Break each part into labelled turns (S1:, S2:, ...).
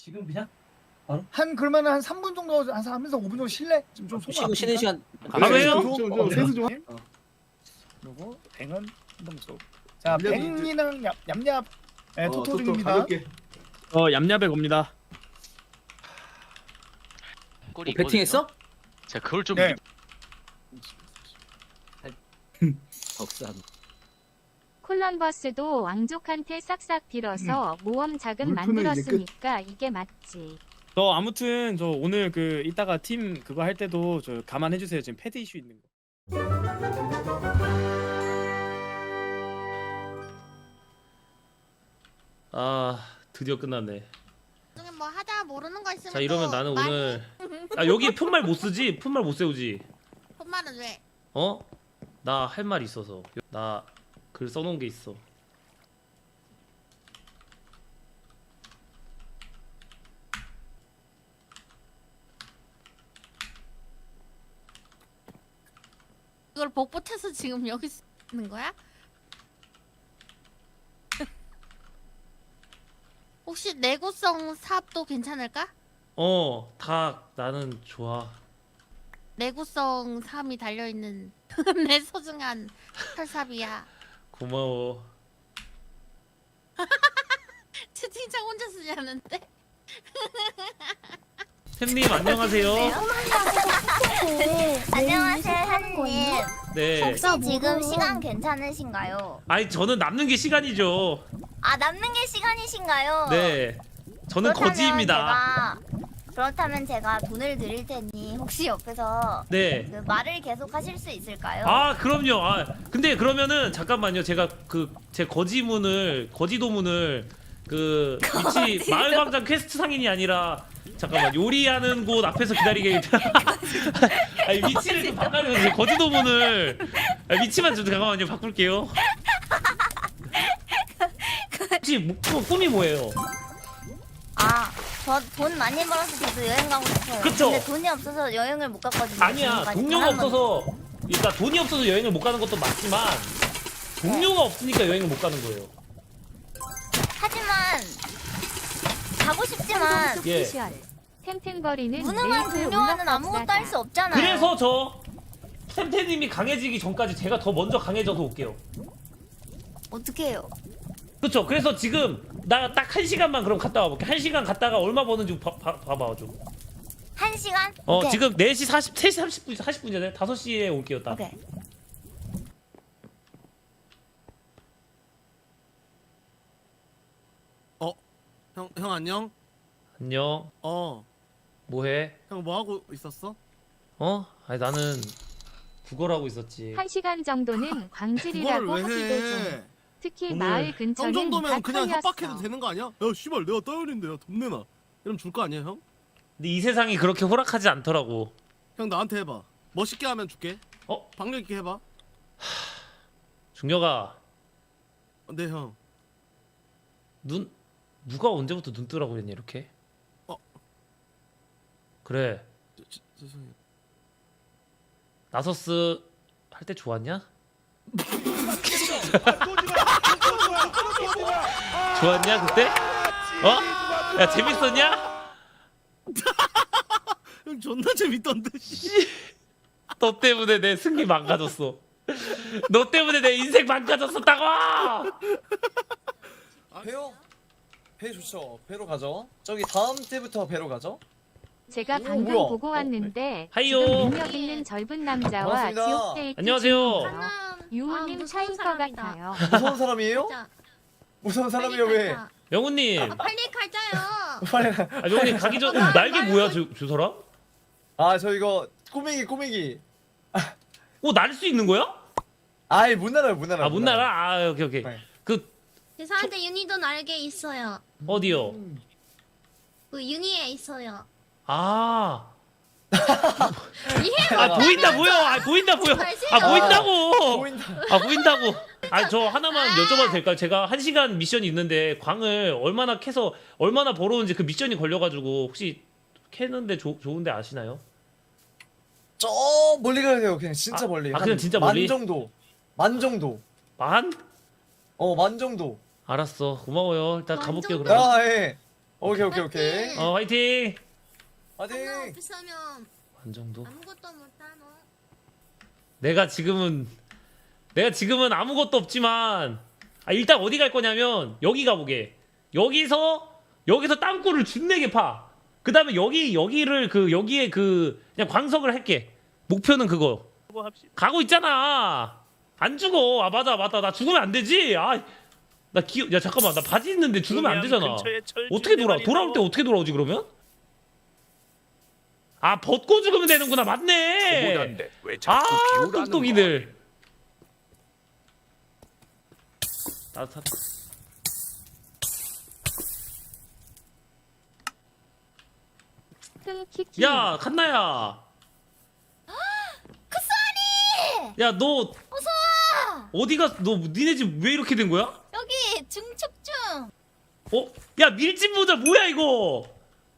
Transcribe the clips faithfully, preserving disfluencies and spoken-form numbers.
S1: 지금 그냥
S2: 한 그러면 한 삼 분 정도 한 하면서 오 분 정도 쉴래? 지금 좀
S1: 쉬고 쉬는 시간
S3: 아, 왜요?
S2: 좀 세수 좀.
S1: 어.
S2: 그리고 뱅은 한동수. 자,
S4: 얌얌이
S2: 뱅이랑 얌 얌얌 네,
S4: 어,
S2: 토토
S4: 토토
S2: 중입니다.
S4: 가볍게.
S3: 어 얌얌에 겁니다.
S5: 꼴이
S1: 뭐 배팅했어?
S5: 제가 그걸 좀
S2: 네.
S1: 덕산.
S6: 콜럼버스도 왕족한테 싹싹 빌어서 모험 자금
S4: 물품은 이제
S6: 만들었으니까 이게 맞지.
S3: 저 아무튼 저 오늘 그 이따가 팀 그거 할 때도 저 감안해 주세요. 지금 패드 이슈 있는 거.
S7: 아 드디어 끝났네.
S8: 중에 뭐 하다 모르는 거 있으면
S7: 자 이러면
S8: 또
S7: 나는
S8: 많이-
S7: 오늘 아 여기 푯말 못 쓰지? 푯말 못 세우지?
S8: 혼말은 왜?
S7: 어? 나 할 말 있어서 나 글 써놓은 게 있어.
S8: 이걸 복붙해서 지금 여기 쓰는 거야? 혹시 내구성 삽도 괜찮을까?
S7: 어 다 나는 좋아.
S8: 내구성 삼이 달려있는 내 소중한 털삽이야.
S7: 고마워.
S8: 채팅창 혼자 쓰냐는데?
S7: 템님 안녕하세요.
S9: 안녕하세요, 현님.
S7: 네.
S9: 혹시 지금 시간 괜찮으신가요?
S7: 아니 저는 남는 게 시간이죠.
S9: 아, 남는 게 시간이신가요?
S7: 네. 저는
S9: 그렇다면
S7: 거지입니다.
S9: 제가, 그렇다면 제가 돈을 드릴 테니 혹시 옆에서
S7: 네.
S9: 그 말을 계속 하실 수 있을까요?
S7: 아 그럼요. 아 근데 그러면은 잠깐만요. 제가 그 제 거지문을 거지도문을 그 위치 마을광장 퀘스트 상인이 아니라 잠깐만 요리하는 곳 앞에서 기다리게. 아니 위치를 좀 바꿔요. 제 거지도문을 아, 위치만 좀 잠깐만요. 바꿀게요. 혹시 목표 꿈이 뭐예요?
S9: 아, 저 돈 많이 벌어서 저도 여행 가고 싶어요.
S7: 그쵸?
S9: 근데 돈이 없어서 여행을 못 갔거든요.
S7: 아니야
S9: 지금까지
S7: 동료가
S9: 단 한 번도.
S7: 없어서 그러니까 돈이 없어서 여행을 못 가는 것도 맞지만 동료가 없으니까 여행을 못 가는 거예요.
S9: 하지만 가고 싶지만
S7: 예.
S6: 오피셜. 템템버리는
S9: 무능한
S6: 네,
S9: 동료와는 아무것도 할 수 없잖아요.
S7: 그래서 저 템템님이 강해지기 전까지 제가 더 먼저 강해져서 올게요.
S9: 어떻게 해요?
S7: 그쵸? 그래서 지금 나 딱 한 시간만 그럼 갔다 와볼게. 한 시간 갔다가 얼마 버는지 봐, 봐, 봐봐 좀.
S9: 한 시간?
S7: 어
S9: 오케이.
S7: 지금 네 시 사십, 세 시 삼십 분, 사십 분이잖아요. 다섯 시에 올게요 딱.
S9: 오케이.
S10: 형, 형 안녕?
S7: 안녕.
S10: 어,
S7: 뭐해?
S10: 형 뭐 하고 있었어?
S7: 어? 아니 나는 국어를 하고 있었지.
S6: 한 시간 정도는
S10: 그거를
S6: 광질이라고
S10: 왜
S6: 하기도 좀.
S10: 해?
S6: 특히
S10: 오늘
S6: 마을
S10: 형
S6: 근처는
S10: 정도면
S6: 다
S10: 그냥
S6: 털렸어.
S10: 협박해도 되는 거 아니야? 야, 씨발 내가 떠올린데 야, 돈 내놔. 이러면 줄 거 아니야, 형?
S7: 근데 이 세상이 그렇게 호락하지 않더라고.
S10: 형 나한테 해봐. 멋있게 하면 줄게.
S7: 어?
S10: 박력 있게 해봐.
S7: 중녀가
S10: 어, 네, 형.
S7: 눈 누가 언제부터 눈 뜨라고 그랬냐 이렇게?
S10: 어.
S7: 그래.
S10: 저, 저, 죄송해요.
S7: 나서스 할 때 좋았냐? 좋았냐 그때? 어? 야 재밌었냐?
S10: 형 존나 재밌던데. 씨.
S7: 너 때문에 내 승리 망가졌어. 너 때문에 내 인생 망가졌었다고.
S1: 배요? 배 좋죠. 배로 가죠. 저기 다음 때부터 배로 가죠.
S6: 제가
S1: 오,
S6: 방금
S1: 뭐야?
S6: 보고 왔는데
S7: 하이요.
S6: 지금 능력 있는 젊은 남자와
S1: 반갑습니다.
S6: 지옥 데이트
S7: 안녕하세요.
S6: 중이에요.
S8: 아,
S6: 유호님
S8: 무서운
S6: 차인 것
S8: 사람이다.
S6: 같아요.
S1: 무서운 사람이에요?
S8: 진짜.
S1: 무서운
S8: 빨리
S1: 사람이요 왜?
S8: 가자.
S7: 명훈님.
S8: 아, 빨리 가자요.
S1: 빨리.
S7: 아 명훈님 가기 전
S8: 나-
S7: 날개
S8: 나-
S7: 뭐야 저, 저 사람?
S1: 아저 이거 꼬맹이 꼬맹이.
S7: 오날 수 있는 거야?
S1: 아이 못 날아요 못 날아.
S7: 아 못 날아? 아 오케이 오케이.
S1: 네.
S7: 그
S8: 죄송한데 윤희도 날개 있어요.
S7: 어디요?
S8: 그 윤희에 있어요.
S7: 아.
S8: 이해
S7: 아 보인다 보여. 아 보인다 보여. 아 보인다고.
S1: 보인다.
S7: 아 보인다고. 아 저 하나만 여쭤봐도 될까요? 제가 한 시간 미션이 있는데 광을 얼마나 캐서 얼마나 벌어오는지 그 미션이 걸려가지고 혹시 캐는데 조, 좋은데 아시나요?
S1: 저 멀리 가야 돼요. 그냥 진짜
S7: 아,
S1: 멀리.
S7: 아,
S1: 한
S7: 그냥 진짜
S1: 만
S7: 멀리?
S1: 정도. 만 정도.
S7: 만?
S1: 어 만 정도.
S7: 알았어 고마워요. 일단
S8: 만
S7: 가볼게요
S8: 정도?
S7: 그럼.
S1: 아 예. 오케이 오케이 오케이.
S7: 어 화이팅.
S1: 화이팅.
S8: 비싸면
S7: 관정도.
S8: 아무것도 못하노.
S7: 내가 지금은 내가 지금은 아무것도 없지만 아 일단 어디 갈 거냐면 여기 가보게. 여기서 여기서 땅굴을 준내게 파. 그 다음에 여기 여기를 그 여기에 그 그냥 광석을 할게. 목표는 그거. 가고 있잖아. 안 죽어. 아 맞아 맞다. 나 죽으면 안 되지. 아 나 기. 야 잠깐만 나 바지 있는데 죽으면 안 되잖아. 어떻게 돌아? 돌아올 때 어떻게 돌아오지 그러면? 아 벗고 죽으면 되는구나. 맞네. 아 똑똑이들. 따뜻하다.
S6: 키키.
S7: 야 칸나야.
S9: 쿠사리!
S7: 야 너
S9: 어서 와!
S7: 어디가 너 니네 집 왜 이렇게 된 거야?
S9: 여기 증축 중.
S7: 어? 야 밀집 모자 뭐야 이거?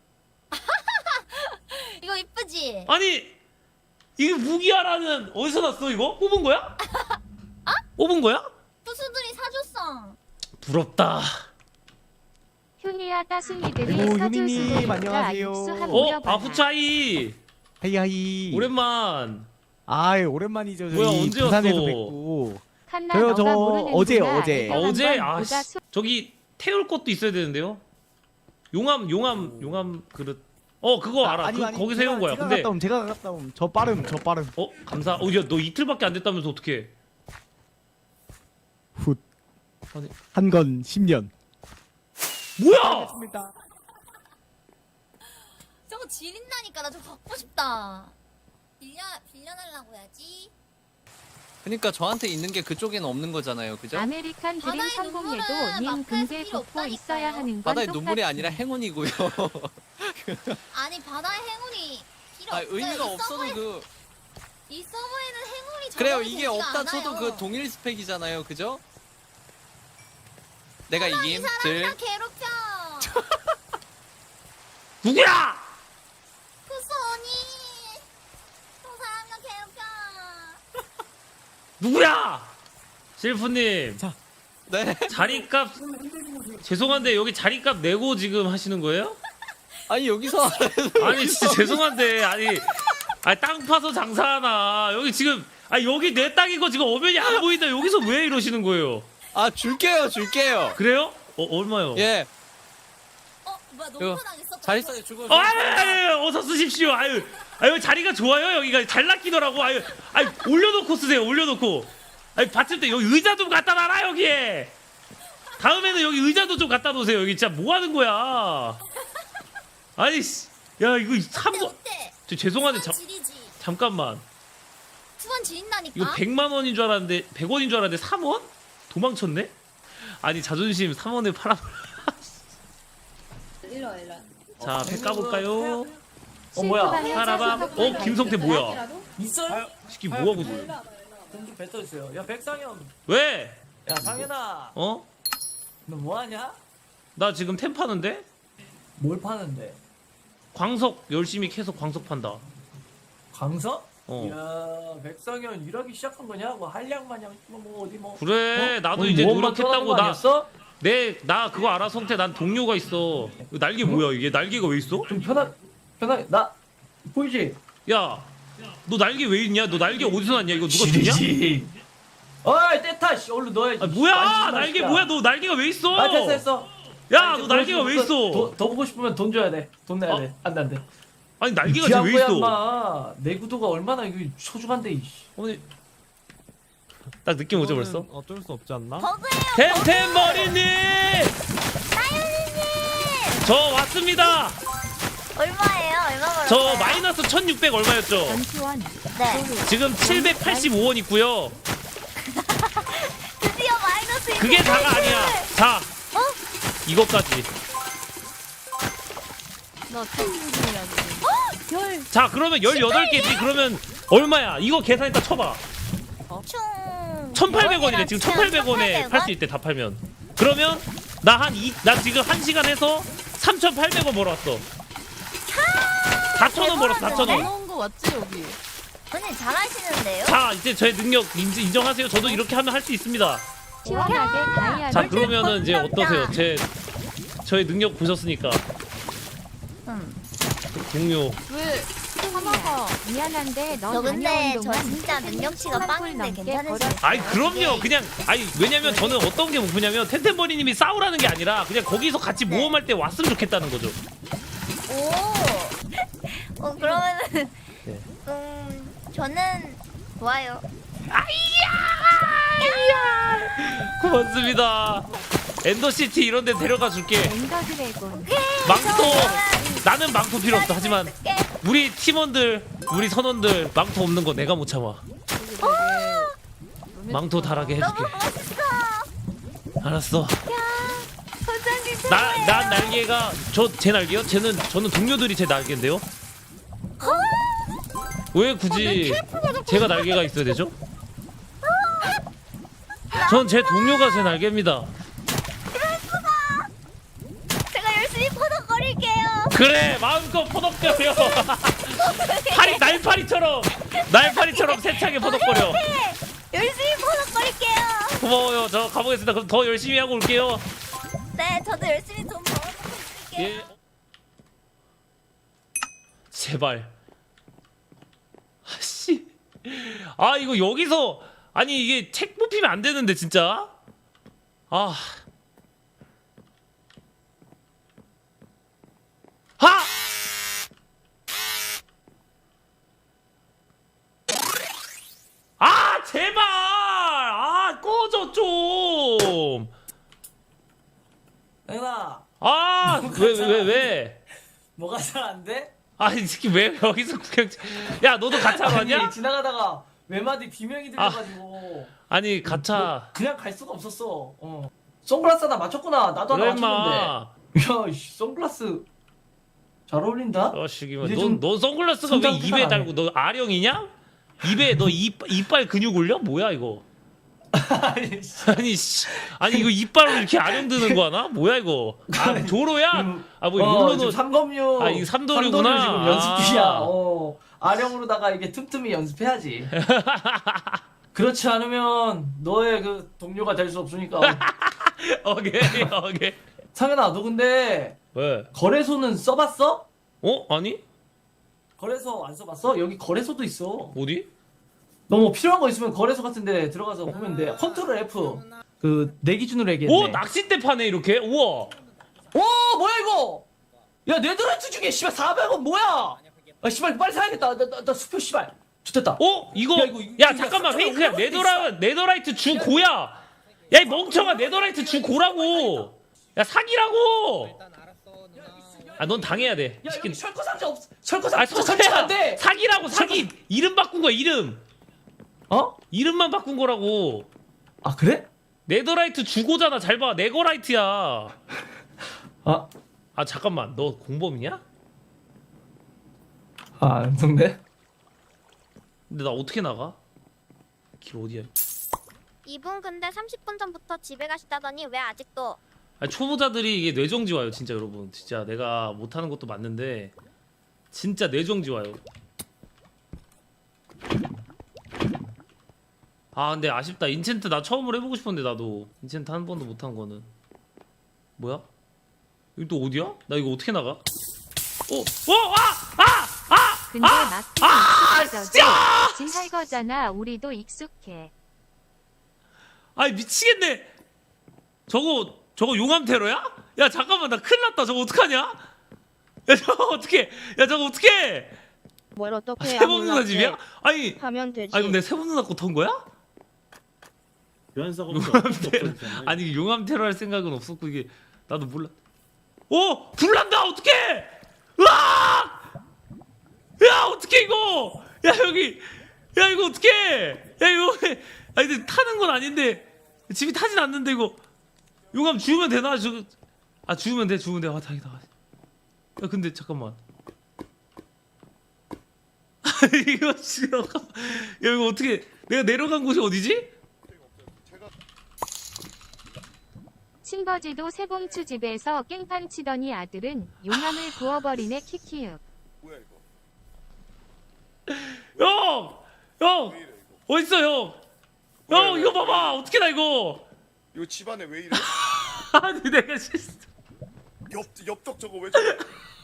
S9: 이거 이쁘지?
S7: 아니 이게 무기화라는 어디서 났어 이거? 뽑은 거야? 뽑은 거야?
S9: 투수들이 사줬어.
S7: 부럽다.
S6: 휴니야 따순이들이
S4: 아이고,
S6: 사줄
S4: 휴니님,
S6: 수도 있다.
S4: 안녕하세요.
S6: 육수 한
S7: 어?
S6: 모여봐라.
S7: 아 후차이
S4: 하이하이.
S7: 오랜만.
S4: 아이 오랜만이죠. 저희
S7: 뭐야, 언제
S4: 부산에서
S7: 왔어?
S4: 뵙고.
S6: 칸나
S4: 저요,
S6: 너가
S4: 저
S6: 모르는구나.
S4: 어제, 어제.
S6: 애가
S7: 아, 어제?
S6: 한번
S7: 아,
S6: 보다
S7: 씨.
S6: 수-
S7: 저기 태울 것도 있어야 되는데요. 용암 용암 용암 그릇. 어 그거 알아.
S4: 아니,
S7: 그,
S4: 아니,
S7: 거기서
S4: 제가-
S7: 해온 거야.
S4: 제가
S7: 근데
S4: 갔다 옴, 제가 갔다 옴. 저 빠름, 저 빠름.
S7: 어 감사. 어야너 이틀밖에 안 됐다면서 어떡해?
S4: 훗.
S7: 아니.
S4: 한 건 십 년.
S7: 뭐야?
S4: 됐습니다.
S9: 저거 지린다니까. 나 저거 갖고 싶다. 빌려 빌려달라고 해야지.
S1: 그러니까 저한테 있는 게 그쪽에는 없는 거잖아요, 그죠?
S6: 아메리칸 드림
S9: 바다의
S6: 성공해도
S9: 눈물은
S6: 님
S9: 마크에서
S6: 근데
S9: 필요
S6: 돋고
S9: 없다니까요.
S6: 있어야 하는 건
S1: 바다의
S6: 똑같지.
S1: 눈물이 아니라 행운이고요.
S9: 아니 바다의 행운이 필요
S1: 아
S9: 없어요.
S1: 의미가
S9: 이
S1: 없어도
S9: 서버에,
S1: 그
S9: 이 서버에는 행운이
S1: 그래요.
S9: 적용이
S1: 이게
S9: 되지가
S1: 없다 쳐도
S9: 않아요.
S1: 그 동일 스펙이잖아요, 그죠? 내가
S9: 이
S1: 이김
S9: 사람
S1: 들
S9: 나 괴롭혀.
S7: 누구야?
S9: 쿠소니. 저 사람 나 괴롭혀.
S7: 누구야? 실프님.
S1: 네.
S7: 자리값 죄송한데 여기 자리값 내고 지금 하시는 거예요?
S1: 아니 여기서
S7: 아니 진짜 죄송한데 아니 아니 땅 파서 장사하나 여기 지금 아 여기 내 땅이고 지금 어면이 안 보인다 여기서 왜 이러시는 거예요?
S1: 아 줄게요, 줄게요.
S7: 그래요? 어 얼마요?
S1: 예.
S9: 어 뭐야
S1: 이거
S9: 농포당했어.
S1: 자리싸게 주고.
S7: 어, 아유, 아유, 어서 쓰십시오. 아유, 아유 자리가 좋아요 여기가 잘 낚이더라고. 아유, 아유 올려놓고 쓰세요. 올려놓고. 아유 받칠 때 여기 의자 좀 갖다 놔라 여기에. 다음에는 여기 의자도 좀 갖다 놓으세요. 여기 진짜 뭐 하는 거야? 아니, 씨, 야 이거 삼 원.
S9: 어때?
S7: 저 죄송한데 잠
S9: 지리지.
S7: 잠깐만.
S9: 투원 지린다니까.
S7: 이거 백만 원인 줄 알았는데 백 원인 줄 알았는데 삼 원? 도망쳤네? 아니 자존심 삼 원에 팔아.
S11: 일로 일로.
S7: 자, 백 가볼까요?
S1: 어 뭐야?
S7: 파라밤. 어 김성태 뭐야?
S1: 있어요?
S7: 시키 뭐 하고 있어?
S1: 좀 뱉어 주세요. 야 백상현.
S7: 왜?
S1: 야 상현아.
S7: 어?
S1: 너 뭐 하냐?
S7: 나 지금 템 파는데?
S1: 뭘 파는데?
S7: 광석 열심히 캐서 광석 판다.
S1: 강서?
S7: 어.
S1: 야 백상현 일하기 시작한 거냐? 뭐 한량 마냥 뭐 어디 뭐.
S7: 그래 나도
S1: 오늘
S7: 이제
S1: 모험만 떠나는
S7: 노력했다고
S1: 거 아니었어?
S7: 나 내 나 그거 알아 성태 난 동료가 있어. 이거 날개 뭐야 이게 날개가 왜 있어?
S1: 좀 편하 편하게 나 보이지?
S7: 야 너 날개 왜 있냐? 너 날개 어디서 났냐? 이거 누가 줬냐?
S1: 지리지. 어이 떼타 씨 얼른 넣어야지.
S7: 아 뭐야
S1: 만지지 마,
S7: 날개
S1: 진짜.
S7: 뭐야 너 날개가 왜 있어?
S1: 아 됐어 됐어.
S7: 야
S1: 아,
S7: 너
S1: 이제
S7: 날개가 왜
S1: 더-
S7: 있어?
S1: 더, 더 보고 싶으면 돈 줘야 돼. 돈 내야
S7: 어?
S1: 돼. 안돼 안돼.
S7: 아니 날개가 지금 왜 있어?
S1: 인마 내구도가 얼마나 이거 소중한데 이씨.
S7: 오늘 딱 느낌 오죠 벌써?
S4: 어쩔 수 없지 않나?
S9: 버그예요.
S7: 템템 머리님
S9: 나윤이님.
S7: 저 왔습니다.
S9: 얼마예요? 얼마 벌었어요?
S7: 저 마이너스 천육백 얼마였죠?
S6: 전투원.
S9: 네.
S7: 지금 칠백팔십오 원 있고요.
S9: 드디어 마이너스.
S7: 그게 다가 아니야. 자,
S9: 어?
S7: 이것까지.
S8: 너 채팅 중이야 지금.
S9: 열.
S7: 자, 그러면 열여덟 개지. 그러면 얼마야? 이거 계산했다 쳐봐.
S9: 총.
S7: 천팔백 원이래. 지금 천팔백 원에 팔 수 있대. 다 팔면. 그러면 나 한 이, 나 지금 한 시간 해서 삼천팔백 원 벌어왔어. 사천 원 벌었어. 사천 원.
S8: 넣은 거 맞지 여기?
S9: 언니 잘하시는데요?
S7: 자, 이제 저의 능력 인지, 인정하세요. 저도 이렇게 하면 할 수 있습니다.
S6: 시원하게 다이아를
S7: 자, 그러면은 이제 어떠세요? 제 저의 능력 보셨으니까.
S8: 응.
S7: 동료.
S8: 왜 하나가
S6: 미안한데 너
S9: 저 근데
S6: 다녀온
S9: 저
S6: 동안
S9: 진짜 능력치가 빵인데 괜찮으시겠어요?
S7: 아이 그럼요. 그냥 아니 왜냐면 저는 어떤 게 목표냐면 텐텐버리님이 싸우라는 게 아니라 그냥 거기서 같이
S9: 네.
S7: 모험할 때 왔으면 좋겠다는 거죠.
S9: 오. 어 그러면은
S7: 네.
S9: 음 저는 좋아요.
S7: 고맙습니다. 엔더시티 이런 데 데려가 줄게.
S6: 엔더 드래곤.
S7: 망토 나는 망토 필요 없어. 하지만 우리 팀원들 우리 선원들 망토 없는 거 내가 못 참아. 망토 달하게 해줄게.
S9: 너무 멋있어.
S7: 알았어.
S9: 선장님
S7: 나 난 날개가 저 제 날개요? 쟤는 저는 동료들이 제 날개인데요. 왜 굳이 제가 날개가 있어야 되죠? 전 제 동료가 제 날개입니다.
S9: 제가 열심히 퍼덕거릴게요.
S7: 그래 마음껏 퍼덕거려. 파리 날파리처럼 날파리처럼 세차게 퍼덕거려.
S9: 열심히 퍼덕거릴게요.
S7: 고마워요. 저 가보겠습니다. 그럼 더 열심히 하고 올게요.
S9: 네, 저도 열심히 돈 벌어먹고 있을게요.
S7: 예. 제발. 아씨. 아 이거 여기서 아니 이게 책 뽑히면 안 되는데 진짜. 아. 하! 아 제발! 아 꺼져 좀.
S1: 혜나
S7: 아 왜 왜 왜?
S1: 뭐가 잘 안 돼?
S7: 아이 새끼 왜 여기서 구경? 야 너도 가차
S1: 아니
S7: 가냐?
S1: 지나가다가 외마디 비명이 들려가지고
S7: 아니 가차.
S1: 그냥 갈 수가 없었어. 어. 선글라스 하나 맞췄구나. 나도 하나
S7: 그래
S1: 맞췄는데.
S7: 마.
S1: 야, 씨, 선글라스 잘 어울린다.
S7: 어시기만
S1: 이제
S7: 넌,
S1: 좀
S7: 넌 선글라스가 왜
S1: 성장
S7: 입에
S1: 태가
S7: 달고 너 아령이냐? 입에 너 입, 이빨 근육 올려? 뭐야 이거?
S1: 아니, 씨.
S7: 아니 씨 아니 이거 이빨로 이렇게 아령 드는 거 하나? 뭐야 이거? 아 조로야? 아 뭐
S1: 어,
S7: 이걸로도
S1: 지금 삼검류.
S7: 아, 이거 삼도류구나.
S1: 지금 연습 중이야.
S7: 아.
S1: 어. 아령으로다가 이게 틈틈이 연습해야지. 그렇지 않으면 너의 그 동료가 될 수 없으니까.
S7: 오케이 오케이.
S1: 상현아, 너 근데
S7: 왜?
S1: 거래소는 써봤어?
S7: 어? 아니?
S1: 거래소 안 써봤어? 여기 거래소도 있어.
S7: 어디?
S1: 너 뭐 필요한 거 있으면 거래소 같은데 들어가서 보면 돼. 컨트롤 F. 그 내 기준으로 얘기했네.
S7: 오 낚싯대 파네 이렇게? 우와.
S1: 오 뭐야 이거? 야 네더라이트 중에 씨발 사백 원 뭐야? 아 씨발 빨리 사야겠다. 나 나 나 수표 씨발. 좋됐다.
S7: 어? 이거
S1: 야,
S7: 야,
S1: 이거- 이거
S7: 잠깐만
S1: 이거
S7: 페이크야.
S1: 이거
S7: 네더라 네더라이트 주 고야. 야 이 멍청아 네더라이트 주 고라고. 야 사기라고. 아 넌 당해야 돼.
S1: 야
S7: 치킨.
S1: 여기 철거 상자 없. 철거
S7: 아
S1: 상자 설치가 안
S7: 석태야.
S1: 돼.
S7: 사기라고 사기. 이름 바꾼 거야 이름.
S1: 어?
S7: 이름만 바꾼 거라고.
S1: 아 그래?
S7: 네더라이트 주고잖아. 잘 봐. 네거라이트야.
S1: 아,
S7: 아 잠깐만. 너 공범이냐?
S1: 아 안성네.
S7: 근데 나 어떻게 나가? 길 어디야?
S9: 이분 근데 삼십 분 전부터 집에 가시다더니 왜 아직도?
S7: 아니, 초보자들이 이게 뇌정지 와요 진짜 여러분. 진짜 내가 못하는 것도 맞는데 진짜 뇌정지 와요. 아 근데 아쉽다. 인챈트 나 처음으로 해보고 싶었는데 나도 인챈트 한 번도 못한 거는. 뭐야? 여기 또 어디야? 나 이거 어떻게 나가? 어? 어? 아! 아! 아!
S6: 근데
S7: 아,
S6: 막히면
S7: 진짜!
S6: 익숙해져도 진할 거잖아. 우리도 익숙해.
S7: 아이 미치겠네. 저거 저거 용암 테러야? 야 잠깐만 나 큰일 났다. 저거 어떡하냐? 야 저거 어떡해? 야 저거 어떡해?
S11: 뭘
S7: 아,
S11: 어떻게
S7: 세범 누나 집이야? 아니
S11: 하면 되지.
S7: 아니 그럼 내 세범 누나 거 턴 거야?
S10: 교환사가
S7: 용암 테러 아니 용암 테러 할 생각은 없었고 이게 나도 몰라. 오 불난다 어떡해? 으악! 야 어떡해 이거? 야 여기 야 이거 어떡해? 야 이거 아니 근데 타는 건 아닌데 집이 타진 않는데 이거 용암 주우면 되나? 주... 아 주우면 돼 주우면 돼. 아 다행이다. 야 근데 잠깐만. 이거 지금 야 이거 어떻게 내가 내려간 곳이 어디지?
S6: 친버지도 세봉추 집에서 깽판 치더니 아들은 용암을 부어버리네 키키윽.
S7: 형! 형! 어딨어 형? 형 이거 봐봐 어떻게 나 이거
S10: 이거 집안에 왜 이래?
S7: 아니 내가 실수
S10: 옆 옆쪽 저거 왜 저래?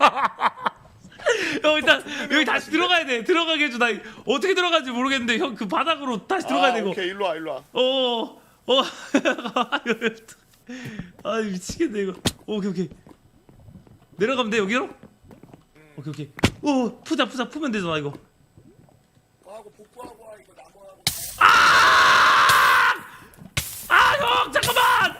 S7: 형 일단 여기 다시 들어가야 돼. 들어가게 해줘. 나 어떻게 들어가는지 모르겠는데 형 그 바닥으로 다시 들어가야
S10: 아,
S7: 되고.
S10: 오케이 일로 와 일로 와.
S7: 어, 어, 아 미치겠네 이거. 오케이 오케이. 내려가면 돼 여기로? 오케이 오케이. 오 푸자 푸자 푸면 되잖아 이거.
S10: 하고 복구하고 와 이거 나무하고.
S7: 아! 아 형 잠깐만.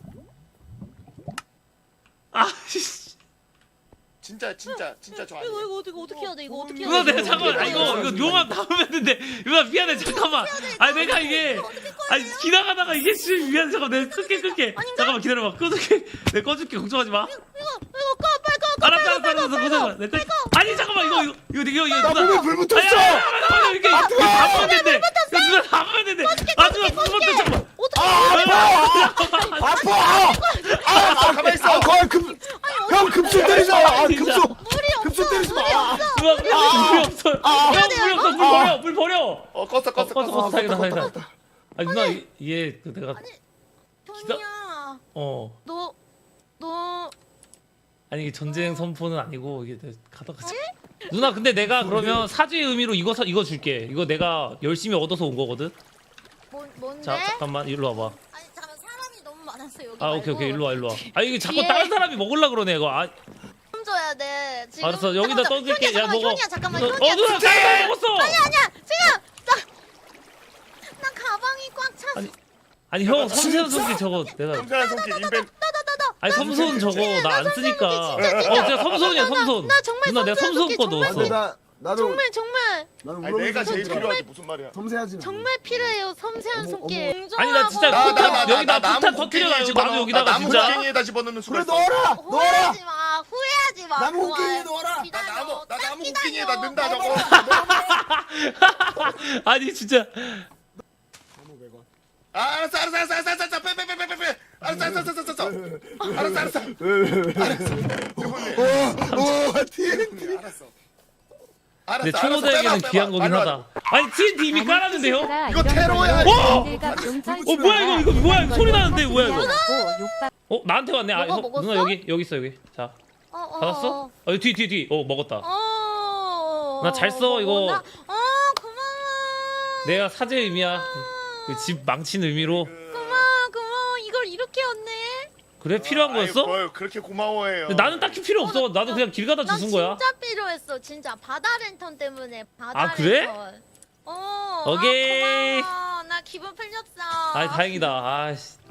S7: 아 씨.
S10: 진짜 진짜 진짜 저
S9: 이거
S10: 아니에요.
S9: 이거 어떻게 어떻게 해야 돼? 이거 어떻게 해야
S7: 누나
S9: 돼?
S7: 내가 잠깐만 아, 이거 이거 용암 닿으면 되는데 누나 미안해 잠깐만. 아니 내가 이게 아니 지나가다가 이게 씨 미안해 잠깐 내가 끌게 끌게. 잠깐만 기다려봐 꺼줄게. 내가 꺼줄게 걱정하지 마.
S9: 이거 이거 꺼 빨리 꺼. 꺼,
S7: 알았어
S9: 빨리
S7: 알았어
S9: 꺼,
S7: 알았어
S9: 빨리
S7: 걱정하지
S9: 꺼.
S7: 마. 내가 끌. 아니 잠깐만 이거 이거 이거 이거 이거
S2: 나
S7: 누나.
S2: 몸에 불 붙었어.
S7: 아니, 아니, 아니, 아니, 아니, 이게 이거 담으면 된대. 이거 누나 담으면 된대. 아 누나 불붙어 잠깐만.
S2: 아파. 아, 아, 가만 있어. 아, 거의 금, 형 급속 때리지 마. 아,
S7: 진짜.
S2: 급속.
S9: 물이 없어.
S2: 급속 때리지 마.
S9: 물이 없어.
S7: 누나 물이 없어. 형 물이 없어. 물 버려 물 버려.
S10: 어 껐어 껐어
S7: 껐어 껐어
S10: 껐어.
S7: 다행이다 다행이다. 아니 누나 이- 얘 그 내가
S9: 토니야,
S7: 어
S9: 너 너.
S7: 아니 이게 전쟁 선포는 아니고 이게 내가 가다가 누나 근데 내가 그러면 사죄의 의미로 이거 사, 이거 줄게. 이거 내가 열심히 얻어서 온 거거든.
S9: 뭐 뭔데?
S7: 자 잠깐만 일로 와봐.
S9: 아니 잠깐 사람이 너무 많았어 여기.
S7: 아 오케이 오케이 일로 와 일로 와. 아 이게 자꾸
S9: 뒤에.
S7: 다른 사람이 먹으려 그러네 이거. 아
S9: 좀 줘야 돼. 지금.
S7: 알았어 여기다
S9: 잠깐만,
S7: 떠줄게.
S9: 현이야,
S7: 야
S9: 잠깐만,
S7: 먹어.
S9: 현이야 잠깐만
S7: 누나-
S9: 현이야.
S7: 어 누나 깜짝 먹었어.
S9: 아니야 아니야 지금 나 나 가방이 꽉 찼어.
S7: 아니 아니 형 섬세한 손길 저거 내가
S10: 섬세한 손길 인벤.
S7: 아니 섬손 저거 나 안 쓰니까. 어 진짜 섬손이야 섬손.
S9: 나 정말
S7: 누나 내가
S9: 섬세한
S7: 섬손 거
S9: 손길
S7: 넣었어.
S2: 나, 나도,
S9: 정말 정말
S2: 나는
S10: 아니 내가 제일 필요하지 무슨 말이야?
S2: 섬세하지.
S9: 정말 필요해요 섬세한
S2: 어머,
S9: 손길.
S7: 아니 나 진짜
S10: 나, 나,
S7: 폭탄
S10: 나, 나,
S7: 여기다
S10: 나
S7: 폭탄
S10: 나무
S7: 터뜨려놔요.
S10: 곡괭이에
S7: 나무
S10: 집어넣어.
S7: 여기다가
S10: 나 나무
S7: 진짜.
S10: 곡괭이에다 집어넣는 수가
S2: 그래,
S10: 있어.
S2: 넣어라! 넣어라!
S9: 후회하지 마 후회하지 마.
S2: 나무
S9: 그만.
S2: 곡괭이에 넣어라!
S9: 기다려.
S10: 나 나무 나
S9: 딱
S10: 나무
S9: 기다려.
S10: 곡괭이에다 넣는다 저거.
S7: 아니 진짜.
S10: 아, 알았어 알았어 알았어 알았어 알았어 빼빼빼빼빼. 알았어 알았어 알았어 알았어. 알았어 알았어.
S2: 오, 오, 티엔티.
S10: 알았어. 알았어.
S7: 내
S10: 알았어,
S7: 초보자에게는
S10: 빼봐,
S7: 귀한
S10: 빼봐.
S7: 거긴
S10: 빨리
S7: 하다. 아니 티엔티 이미 깔았는데 형?
S10: 이거 테러야,
S7: 이거. 어 뭐야 이거 이거 뭐야 이거 소리 나는데 뭐야 이거?
S6: 욕박
S7: 어 나한테 왔네. 아
S9: 먹어,
S7: 형,
S9: 먹었어?
S7: 누나 여기 여기 있어 여기. 자
S9: 어, 어,
S7: 받았어?
S9: 어.
S7: 어 뒤 뒤 뒤. 어 먹었다.
S9: 어.
S7: 나 잘 써, 이거.
S9: 나- 어 고마워.
S7: 내가 사죄 의미야. 그 집 망친 의미로.
S9: 고마워 고마워 이걸 이렇게 얻네.
S7: 그래 필요한
S10: 아이,
S7: 거였어?
S10: 뭘 그렇게 고마워해요.
S7: 근데 나는 딱히 필요 없어. 나도 그냥 길 가다
S9: 나
S7: 주운 거야.
S9: 진짜 필요했어 진짜 바다 랜턴 때문에 바다
S7: 아, 그래?
S9: 랜턴. 어.
S7: 오케이.
S9: 아, 고마워. 나 기분 풀렸어.
S7: 아이 다행이다. 아씨.